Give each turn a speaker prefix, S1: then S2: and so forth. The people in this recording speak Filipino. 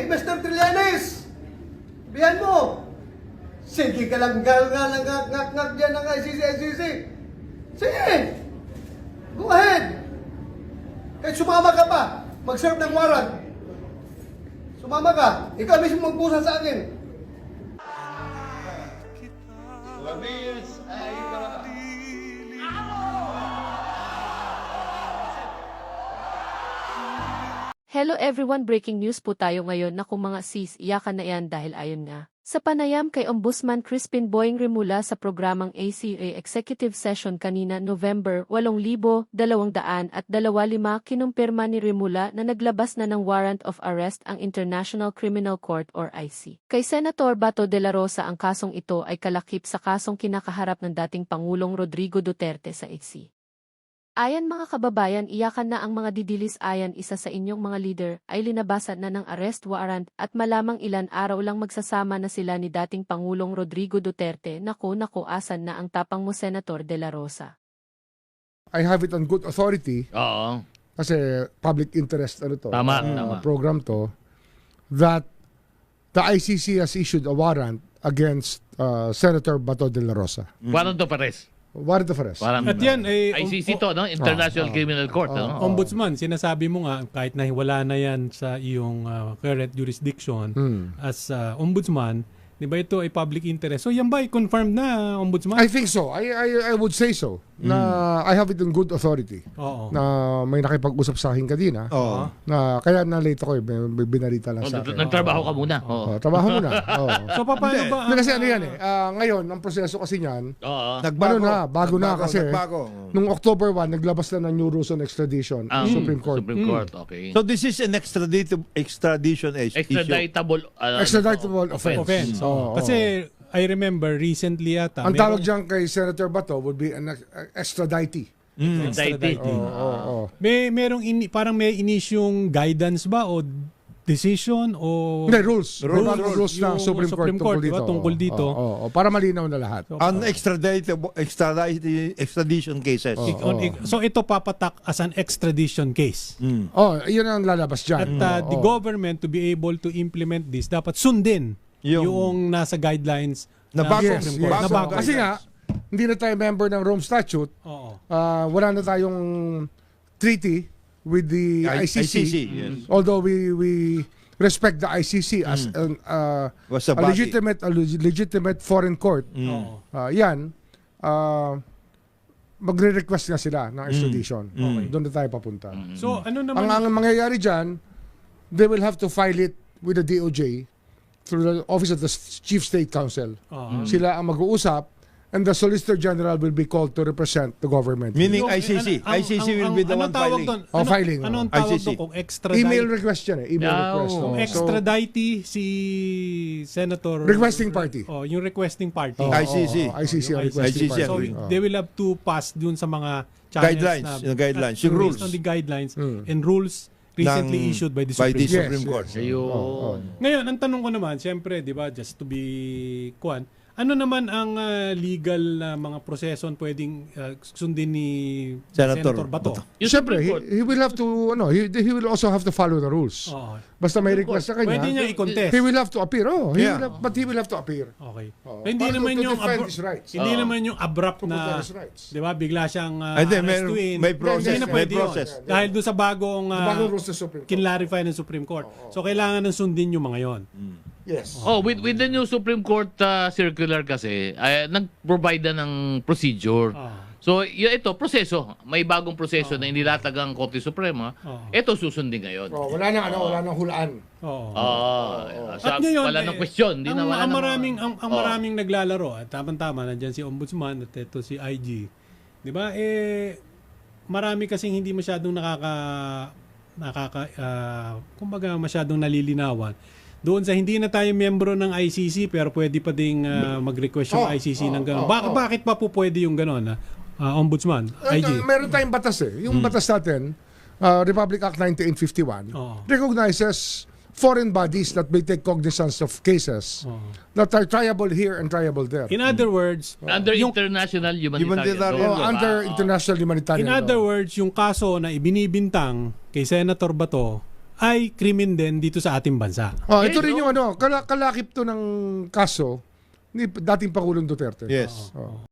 S1: Mr. Trillanes! Bihan mo! Sige ka lang ngak dyan ng ICC. Sige! Go ahead! Kahit sumama ka pa, mag-serve ng warrant. Sumama ka, ikaw mismo magpusa sa akin.
S2: Hello everyone, breaking news po tayo ngayon na kung mga sis, iyakan na yan dahil ayon nga. Sa panayam kay Ombudsman Crispin Boying Rimula sa programang ACA Executive Session kanina November 8,225 kinumpirma ni Rimula na naglabas na ng warrant of arrest ang International Criminal Court or IC. Kay Senator Bato de la Rosa ang kasong ito ay kalakip sa kasong kinakaharap ng dating Pangulong Rodrigo Duterte sa IC. Ayan mga kababayan, iyakan na ang mga didilis ayan isa sa inyong mga leader ay linabasan na ng arrest warrant at malamang ilan araw lang magsasama na sila ni dating Pangulong Rodrigo Duterte. Naku asan na ang tapang mo Senator de la Rosa.
S3: I have it on good authority.
S4: Oo.
S3: Kasi public interest
S4: Tama.
S3: program to, that the ICC has issued a warrant against Senator Bato de la Rosa.
S4: Warrant of arrest.
S3: Warrant of arrest.
S4: Warrant.
S5: At yan ay
S4: ICC to, no? International Criminal Court, no?
S5: Ombudsman, sinasabi mo nga kahit na wala na yan sa iyong current jurisdiction as ombudsman, di ba ito ay public interest? So yan ba ay confirmed na ombudsman?
S3: I think so. I would say so. Na I have it on good authority.
S5: Oo.
S3: Na may nakipag-usap sa akin kanina.
S5: Oo.
S3: Na kaya na-late ako may binarita lang sa akin.
S4: Nagtrabaho ka muna. Oo.
S3: Trabaho muna.
S5: So paano ba?
S3: Hindi, kasi ano yan ngayon, ang proseso kasi niyan,
S4: Oo.
S3: bago na kasi nung October 1, naglabas na ng new rules on extradition
S4: Ang
S3: Supreme Court.
S4: Supreme Court, okay.
S6: So this is an extradition issue.
S4: Extraditable.
S3: Extraditable
S5: Offense.
S3: Oo.
S5: Kasi I remember recently yata.
S3: Ang tawag dyan kay Senator Bato would be an extraditee.
S4: Extradite.
S3: Oo.
S5: Merong parang may inisyong guidance ba o decision o
S3: Hindi, rules ng
S5: Yung
S3: Supreme Court
S5: di ba, tungkol dito.
S3: Oo, para malinaw na lahat.
S6: On extradition cases.
S5: So ito papatak as an extradition case.
S3: Yun ang lalabas dyan.
S5: At the government to be able to implement this, dapat sundin yung nasa guidelines
S6: Na
S5: ng
S6: bago.
S5: Supreme Court.
S6: Yes.
S5: Na bago.
S3: Kasi nga, hindi na tayo member ng Rome Statute.
S5: Oo.
S3: Wala na tayong treaty with the ICC.
S6: Yes.
S3: Although we respect the ICC as
S6: Was a
S3: a
S6: body.
S3: legitimate foreign court.
S5: Oo.
S3: Yan, magre-request nga sila ng extradition. Doon na tayo papunta.
S5: So ano naman
S3: Ang mangyayari dyan, they will have to file it with the DOJ through the Office of the Chief State Counsel. Sila ang mag-uusap, and the Solicitor General will be called to represent the government.
S6: Meaning
S5: Yung-
S6: ICC.
S5: ang-
S6: ICC will be the
S5: anong
S6: one
S5: tawag
S6: filing.
S5: doon?
S3: Filing.
S5: Ano ang tawag
S6: ICC.
S5: doon kung extradite?
S3: Email request yan Email
S4: Yeah,
S3: request.
S4: oh.
S5: Kung
S3: So,
S5: extradite si Senator
S3: requesting party.
S5: yung requesting party.
S6: ICC.
S3: ICC ang requesting
S6: ICC.
S3: party.
S5: So
S6: agree.
S5: they will have to pass dun sa mga channels
S6: Guidelines, yung guidelines, yung
S5: based
S6: rules.
S5: on the guidelines and rules recently issued by the Supreme Court.
S3: Yes,
S6: Supreme Court.
S4: Ayun.
S5: Ngayon, ang tanong ko naman, siyempre, di ba, just to be ano naman ang legal na mga proseso pwedeng sundin ni
S6: Senator
S5: Senator Bato?
S4: Yung
S3: Siyempre,
S4: Supreme Court.
S3: he will have to, he will also have to follow the rules.
S5: Oo.
S3: Basta may request sa kanya,
S5: Pwede niya i-contest.
S3: he will have to appear.
S6: Yeah.
S3: But he will have to appear.
S5: Okay.
S3: Oo.
S5: Hindi
S3: Para
S5: naman
S3: to
S5: yung
S3: defend his rights.
S5: hindi naman yung abrupt
S3: To
S5: na
S3: protect his rights.
S5: 'di ba bigla siyang
S6: Hindi,
S5: arrestuin.
S6: may process,
S5: Hindi na
S6: may
S5: pwede yun.
S6: process.
S5: Dahil doon sa bagong
S3: Bagong rules ng Supreme Court.
S5: kinlarify ng Supreme Court. So kailangan ng sundin yung mga 'yon.
S3: Yes.
S4: Oh, with the new Supreme Court circular kasi, nag-provide na ng procedure. So, ito, proseso. May bagong proseso na inilatag ang Korte Suprema. Ito susundin ngayon.
S3: Wala nang hulaan.
S5: Oo.
S4: Sa,
S5: At ngayon,
S4: wala ng question. Di na wala
S5: ang
S4: ng-
S5: maraming ang maraming naglalaro at tama-tama nandiyan si Ombudsman at ito si IG. 'Di ba? Marami kasing hindi masyadong kumbaga masyadong nalilinawan. Doon sa hindi na tayo miyembro ng ICC pero pwede pa ding mag-request yung ICC ng gano'n. Bakit pa po pwede yung gano'n? Ombudsman, IG.
S3: Meron tayong batas Yung batas natin, Republic Act 1951, recognizes foreign bodies that may take cognizance of cases that are triable here and triable there.
S5: In other words,
S4: Under international humanitarian law.
S3: Under international humanitarian
S5: in
S3: law.
S5: other words, yung kaso na ibinibintang kay Senator Bato ay krimen din dito sa ating bansa.
S3: Ito rin yung kalakip to ng kaso ni dating Pangulong Duterte.
S6: Yes.
S3: Oh.